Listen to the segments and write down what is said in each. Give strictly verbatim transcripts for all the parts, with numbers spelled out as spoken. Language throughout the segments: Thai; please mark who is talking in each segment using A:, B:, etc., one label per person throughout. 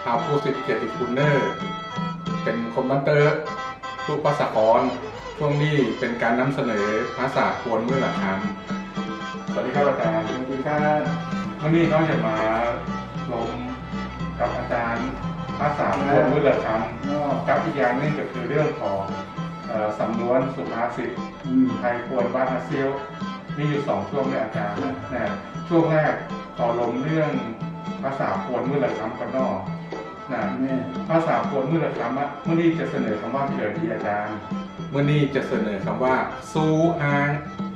A: ท้าวผู้สิทธิ์เกียรติคุณเนอร์เป็นคนบันเตอร์ลูกภาษากรช่วงนี้เป็นการนำเสนอภาษาควรเมื่อหลักคำสวัสดีครับอาจารย์
B: สวัสดีครับ
A: วันนี้เขาจะมาลงกับอาจารย์ภาษาควรเมื่อหลักคำกับอีกอย่างนึงก็คือเรื่องของเอ่อสำนวนสุภาษิต
B: อืม
A: ไทยควรบ้านอาเซียวมีอยู่สองช่วงในอาจารย์นะช่วงแรกขอลงเรื่องภาษาควรเมื่อหลักคำกันนอกนะ
B: แม่
A: ภาษาควรเมื่อหลักคำอะเมื่อนี้จะเสนอคำว่าเฉลยที่อาจารย์เมื่อนี้จะเสนอคำว่าสู้ฮาง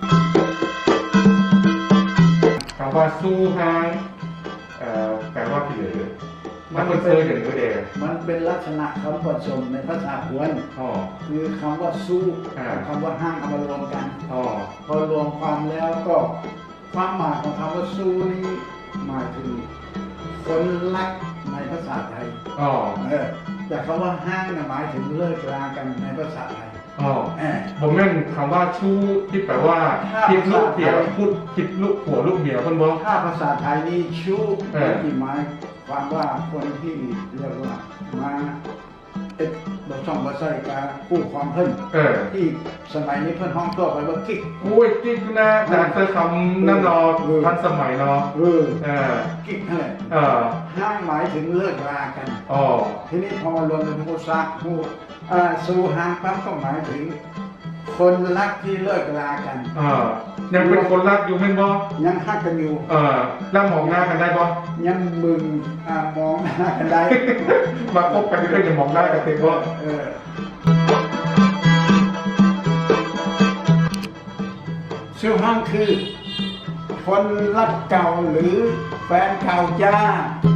A: คำว่าสู้ฮางเอ่อแปลว่าเฉลยมันเป็นเซอร์อย่างนี้เอง
B: มันเป็นลักษณะคำผสมในภาษาพวน
A: อ๋อ
B: คือคำว่าสู้
A: อ่า
B: กับคำว่าห้างเอามารวมกัน
A: อ๋อ
B: พอรวมความแล้วก็ความหมายของคำว่าสู้นี้หมายถึงคนรักในภาษาไทย
A: อ๋อ
B: เออแต่คำว่าห้างน่ะหมายถึงเลิกรากันในภาษาไทย
A: อ๋อ
B: เออ
A: ผมแม่นคำว่าชู้ที่แปลว่า
B: ถ้า
A: คิดลูกเดียว
B: ภาษาไทย
A: พูดคิดลูกผัวลูกเมียคนบอก
B: ถ้าภาษาไทยนี่ชู้
A: เออ
B: ที่หมายความว่าคนที่เรียกว่ามาเอ็ดบช่องบะไส้กาคู่ความเพิ่น
A: เออ
B: ที่สมัยนี้เพิ่นห้องตัวไปว่ากิ๊ก
A: โอ้ยกิ๊กนะแต่เธอคำนั่นเนอ
B: เออ
A: ทันสมัยเนาะ
B: เออ
A: เออ
B: กิ๊กนั่นแหละ
A: เออ
B: ห้างหมายถึงเลิกรากัน
A: อ๋อ
B: ทีนี้พอมารวมเป็นผู้ซักผู้อ่าสู่ห้างปั๊บก็หมายถึง คนรักที่เลิกรากัน
A: เออยังเป็นคนรักอยู่แม่นบ่
B: ยังฮักกันอยู่
A: เออแล้วมองหน้ากันได้บ่
B: ยังมึงอ่ามองหน้ากันได้
A: มาคบกันเรื่อยๆจะมองหน้ากันเต็มบ่
B: เออสู่ห้างคือ คนรักเก่าหรือแฟนเก่าจ้า